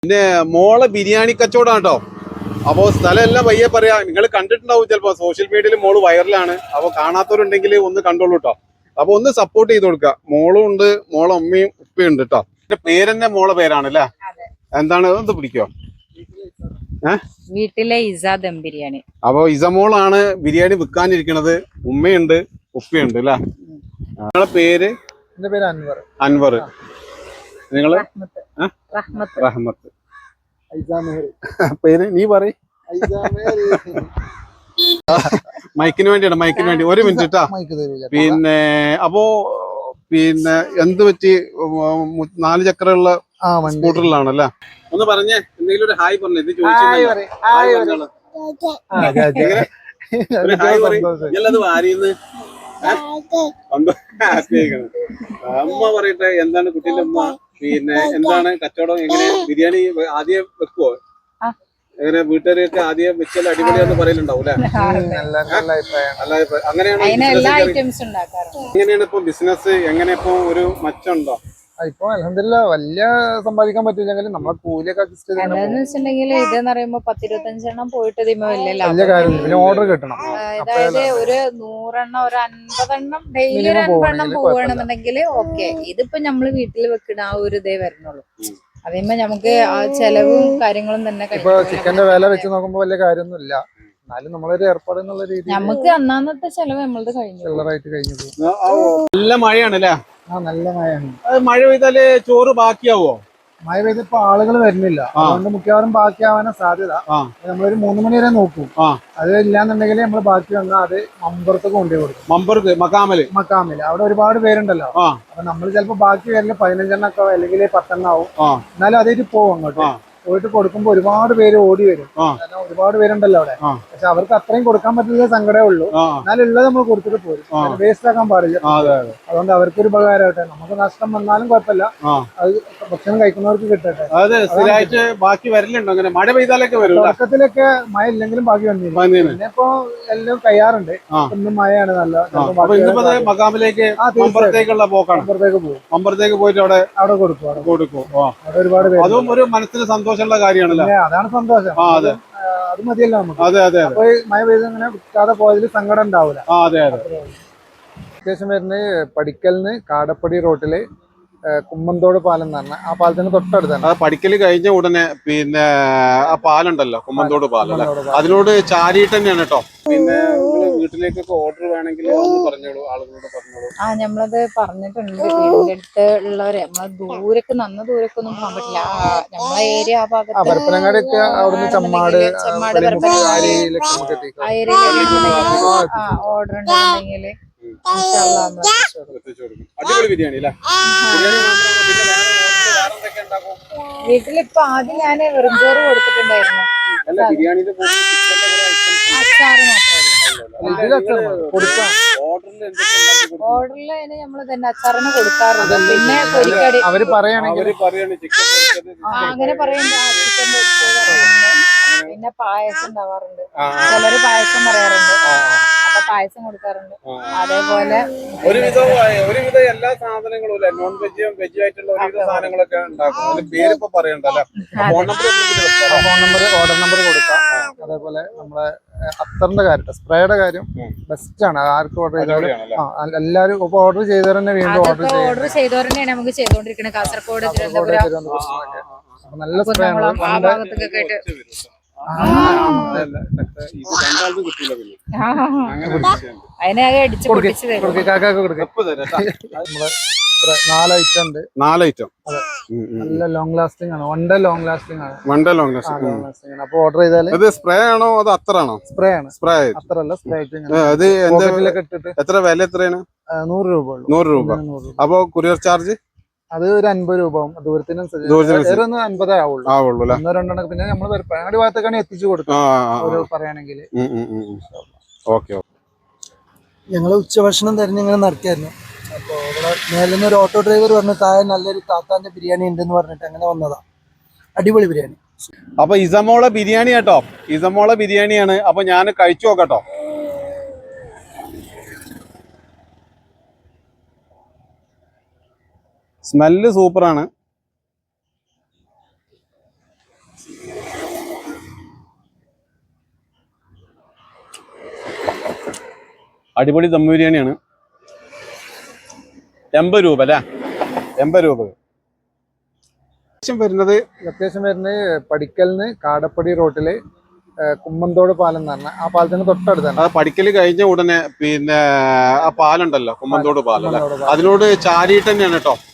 പിന്നെ മോളെ ബിരിയാണി കച്ചവടം കേട്ടോ. അപ്പോൾ സ്ഥലം എല്ലാം പയ്യെ പറയാ. നിങ്ങൾ കണ്ടിട്ടുണ്ടാവും ചിലപ്പോ സോഷ്യൽ മീഡിയയിൽ മോള് വൈറലാണ്. അപ്പോൾ കാണാത്തവരുണ്ടെങ്കിൽ ഒന്ന് കണ്ടോളൂ കേട്ടോ. അപ്പൊ ഒന്ന് സപ്പോർട്ട് ചെയ്ത് കൊടുക്കുക. മോളും ഉണ്ട്, മോളെ അമ്മയും ഉപ്പയും ഉണ്ട് കേട്ടോ. എന്റെ പേരെന്നെ മോളെ പേരാണല്ലേ? എന്താണ് ഒന്ന് പിടിക്കോ? വീട്ടിലെ ഇസ ദം ബിരിയാണി. അപ്പൊ ഇസമോളാണ് ബിരിയാണി വിൽക്കാനിരിക്കണത്. ഉമ്മയുണ്ട്, ഉപ്പയുണ്ട് അല്ലേ? നിങ്ങളെ പേര്? എന്റെ പേര് അൻവർ. അൻവർ. നിങ്ങള്? റഹ്മത്ത്. പേര് നീ പറയ്. മൈക്കിന് വേണ്ടി ഒരു മിനിറ്റ് കേട്ടാ. പിന്നെ അപ്പോ പിന്നെ എന്ത് പറ്റി? 4 ചക്രമുള്ള സ്കൂട്ടറിലാണല്ലേ? ഒന്ന് പറഞ്ഞേ, എന്തെങ്കിലും ഒരു ഹായ് പറഞ്ഞേ. ഇത് ചോദിച്ചു അമ്മ പറയട്ടെ. എന്താണ് കുട്ടീന്റെ അമ്മ? പിന്നെ എന്താണ് കച്ചവടം? എങ്ങനെ ബിരിയാണി ആദ്യം വെക്കുവോ? എങ്ങനെ വീട്ടുകാരൊക്കെ ആദ്യം വെച്ചാൽ അടിപൊളിയാന്ന് പറയലുണ്ടാവും അല്ലെ? അങ്ങനെയാണ്. എങ്ങനെയാണ് ഇപ്പൊ ബിസിനസ്? എങ്ങനെ ഇപ്പൊ ഒരു മച്ചുണ്ടോ? ഇപ്പൊ അൽഹംദുലില്ലാഹ് വലിയ സമ്പാദിക്കാൻ പറ്റില്ലെങ്കിലും നമ്മളെ കൂലിയൊക്കെ അഡ്ജസ്റ്റ് ചെയ്തിട്ടുണ്ടെങ്കിൽ ഇതെന്ന് പറയുമ്പോ 10-25 എണ്ണം പോയിട്ട് വലിയ കാര്യം. പിന്നെ ഓർഡർ കിട്ടണം. അതായത് ഒരു 100 എണ്ണം, ഒരു 50 എണ്ണം ഡെയിലി ഒരു 50 എണ്ണം പോവുകയാണെന്നുണ്ടെങ്കിൽ ഓക്കെ. ഇതിപ്പോ നമ്മള് വീട്ടിൽ വെക്കുന്ന ആ ഒരു ഇതേ വരുന്നുള്ളൂ. അതേമോ നമുക്ക് ആ ചെലവും കാര്യങ്ങളും തന്നെ. ഇപ്പൊ ചിക്കന്റെ വില വെച്ച് നോക്കുമ്പോ വലിയ കാര്യമൊന്നും ഇല്ല. എന്നാലും നമ്മളൊരു ഏർപ്പാട് എന്നുള്ള രീതിയിൽ നമുക്ക് അന്നാന്നത്തെ ചെലവ് നമ്മളത് കഴിഞ്ഞു. നല്ല മഴയാണല്ലേ? നല്ല മഴയാണ്. മഴ പെയ്താല് ചോറ് ബാക്കിയാവോ? മഴ പെയ്തപ്പോ ആളുകൾ വരുന്നില്ല. അതുകൊണ്ട് മിക്കവാറും ബാക്കിയാവാനാ സാധ്യത. നമ്മളൊരു 3 മണി വരെ നോക്കും. അത് ഇല്ലാന്നുണ്ടെങ്കിൽ നമ്മൾ ബാക്കി വന്നാൽ അത് മമ്പുറത്തൊക്കെ കൊണ്ടുപോയി കൊടുക്കും. മമ്പുറത്ത് മക്കാമില് അവിടെ ഒരുപാട് പേരുണ്ടല്ലോ. അപ്പൊ നമ്മൾ ചിലപ്പോ ബാക്കി വരല് 15 എണ്ണൊക്കെ അല്ലെങ്കിൽ 10 എണ്ണം ആവും. എന്നാലും അതായിട്ട് പോകും. അങ്ങോട്ട് പോയിട്ട് കൊടുക്കുമ്പോ ഒരുപാട് പേര് ഓടി വരും. ഒരുപാട് പേരുണ്ടല്ലോ അവിടെ. പക്ഷെ അവർക്ക് അത്രയും കൊടുക്കാൻ പറ്റുന്ന സങ്കടമേ ഉള്ളൂ. എന്നാലും ഉള്ളത് നമ്മൾ കൊടുത്തിട്ട് പോരും. വേസ്റ്റ് ആക്കാൻ പാടില്ല. അതുകൊണ്ട് അവർക്കൊരു ഉപകാരമായിട്ട് നമുക്ക് നഷ്ടം വന്നാലും കുഴപ്പമില്ല. അത് ഭക്ഷണം കഴിക്കുന്നവർക്ക് കിട്ടട്ടെ. സ്ഥിരമായിട്ട് ബാക്കി വരലുണ്ടോ? അങ്ങനെ മഴ പെയ്താലൊക്കെ വരും. തുടക്കത്തിലൊക്കെ മഴ ഇല്ലെങ്കിലും ബാക്കി വന്നിരുന്നു. പിന്നെ ഇപ്പൊ എല്ലാം കഴിയാറുണ്ട്. ഇന്നും മഴയാണ് നല്ല. മക്കാമിലേക്ക് മമ്പുറത്തേക്കുള്ള പോക്കാണ്. മമ്പുറത്തേക്ക് പോയിട്ട് അവിടെ കൊടുക്കും. അവിടെ ഒരുപാട് പേര്. അതും ഒരു മനസ്സിന് സന്തോഷമുള്ള കാര്യമാണല്ലോ. അതാണ് സന്തോഷം. അത് മതിയല്ലോ നമുക്ക്. അപ്പൊ മഴ പെയ്ത് ഇങ്ങനെ വിൽക്കാതെ പോയതിൽ സങ്കടം ഉണ്ടാവില്ല. ലൊക്കേഷൻ വരുന്നത് പടിക്കലിന് കാടപ്പടി റോട്ടില് കുമ്മന്തോട് പാലം എന്ന് പറഞ്ഞ ആ പാലത്തിന് തൊട്ടടുത്താണ്. പടിക്കല് കഴിഞ്ഞ ഉടനെ പിന്നെ ആ പാലുണ്ടല്ലോ, കുമ്മന്തോട് പാലം. അതിനോട് ചാരിയിട്ട് തന്നെയാണ് കേട്ടോ. പിന്നെ വീട്ടിലേക്കൊക്കെ ഓർഡർ വേണമെങ്കിൽ പറഞ്ഞോളൂ, ആളുകളോട് പറഞ്ഞോളൂ. നമ്മളത് പറഞ്ഞിട്ടുണ്ട്. വീടിന്റെ അടുത്ത് ഉള്ളവരെ നമ്മളെ ദൂരക്ക് ദൂരക്കൊന്നും പോകാൻ പറ്റില്ല. നമ്മളെ ഏരിയ ആ ഭാഗത്ത് പരപ്പനങ്ങാടിയൊക്കെ അവിടുന്ന് ചമ്മാട് ഓർഡർ ഉണ്ടെന്നുണ്ടെങ്കിൽ അടിപൊളി ബിരിയാണി അല്ലേ? വീട്ടിലിപ്പോ ആദ്യം ഞാൻ വെറും ചോറ് കൊടുത്തിട്ടുണ്ടായിരുന്നു. അച്ചാറ് ഓർഡറിൽ നമ്മൾ തന്നെ അച്ചാറിന് കൊടുക്കാറുണ്ട്. പിന്നെ പൊരിക്കടി അവര് പറയുകയാണെങ്കിൽ അങ്ങനെ പറയുമ്പോ ചിക്കൻ പൊരിച്ചത്, പിന്നെ പായസം ഉണ്ടാവാറുണ്ട്. ചിലര് പായസം പറയാറുണ്ട്. അപ്പൊ പായസം കൊടുക്കാറുണ്ട്. അതേപോലെ ഒരുവിധം എല്ലാ സാധനങ്ങളും നോൺ വെജും വെജും ആയിട്ടുള്ള ഒരുവിധ സാധനങ്ങളൊക്കെ ഉണ്ടാക്കും. പേരിപ്പോ പറയണ്ടല്ലോ. ഫോൺ നമ്പർ ഓർഡർ നമ്പർ കൊടുക്കാം. അതേപോലെ നമ്മളെ അത്തറിന്റെ കാര്യം, സ്പ്രേയുടെ കാര്യം ബെസ്റ്റ് ആണ്. ആർക്കും ഓർഡർ ചെയ്താലും എല്ലാവരും ഇപ്പൊ ഓർഡർ ചെയ്തവർ തന്നെ വീണ്ടും ഓർഡർ ചെയ്തവർ തന്നെയാണ് നമുക്ക് ചെയ്തുകൊണ്ടിരിക്കുന്നത്. കാസർഗോഡ്, നല്ല സ്പ്രേ ആണ്. ആ ഭാഗത്തൊക്കെ അതിനാകെ അടിച്ചു പൊട്ടിച്ച് തരും. 4 ഐറ്റം ഉണ്ട്. 4 ഐറ്റം നല്ല ലോങ് ലാസ്റ്റിംഗ് ആണ്. 1 ഡേ ലോങ് ലാസ്റ്റിംഗ് ആണ്. അപ്പൊ ഓർഡർ ചെയ്താല് ഇത് സ്പ്രേ ആണോ അതോ അത്തറാണോ? സ്പ്രേ ആണ്. സ്പ്രേ അത്രല്ല, സ്പ്രേ ഇട്ടിട്ട് എത്ര വില? എത്രയാണ്? 100 രൂപ. 100 രൂപ. അപ്പൊ കൊറിയർ ചാർജ് അത് ഒരു 50 രൂപ ദൂരത്തിനനുസരിച്ച് 50 ആവുള്ളൂ. 1-2 പിന്നെ നമ്മൾ പരപ്പനങ്ങാടി ഭാഗത്തേക്കാണ് എത്തിച്ചു കൊടുക്കുക പറയുകയാണെങ്കിൽ. ഞങ്ങൾ ഉച്ചഭക്ഷണം തിരഞ്ഞിങ്ങനെ നടക്കായിരുന്നു. അപ്പോൾ ഇവിടെ മേലിൽ ഒരു ഓട്ടോ ഡ്രൈവർ പറഞ്ഞു താഴെ നല്ലൊരു താത്താന്റെ ബിരിയാണി ഉണ്ടെന്ന് പറഞ്ഞിട്ട് അങ്ങനെ വന്നതാ. അടിപൊളി ബിരിയാണി. അപ്പൊ ഇസമോളെ ബിരിയാണി കേട്ടോ. ഇസമോളെ ബിരിയാണിയാണ്. അപ്പൊ ഞാൻ കഴിച്ചു നോക്കട്ടോ. സ്മെല്ല് സൂപ്പറാണ്. അടിപൊളി ദം ബിരിയാണിയാണ്. 80 രൂപ അല്ലേ? 80 രൂപ വരുന്നത്. ലൊക്കേഷൻ വരുന്നത് പടിക്കലിന് കാടപ്പടി റോട്ടില് കുമ്മന്തോട് പാലം എന്ന് പറഞ്ഞാൽ ആ പാലത്തിന് തൊട്ടടുത്താണ്. അത് പഠിക്കൽ കഴിഞ്ഞ ഉടനെ പിന്നെ ആ പാലുണ്ടല്ലോ, കുമ്മന്തോട് പാലം അല്ലെ, അതിനോട് ചാരിയിട്ട് തന്നെയാണ് കേട്ടോ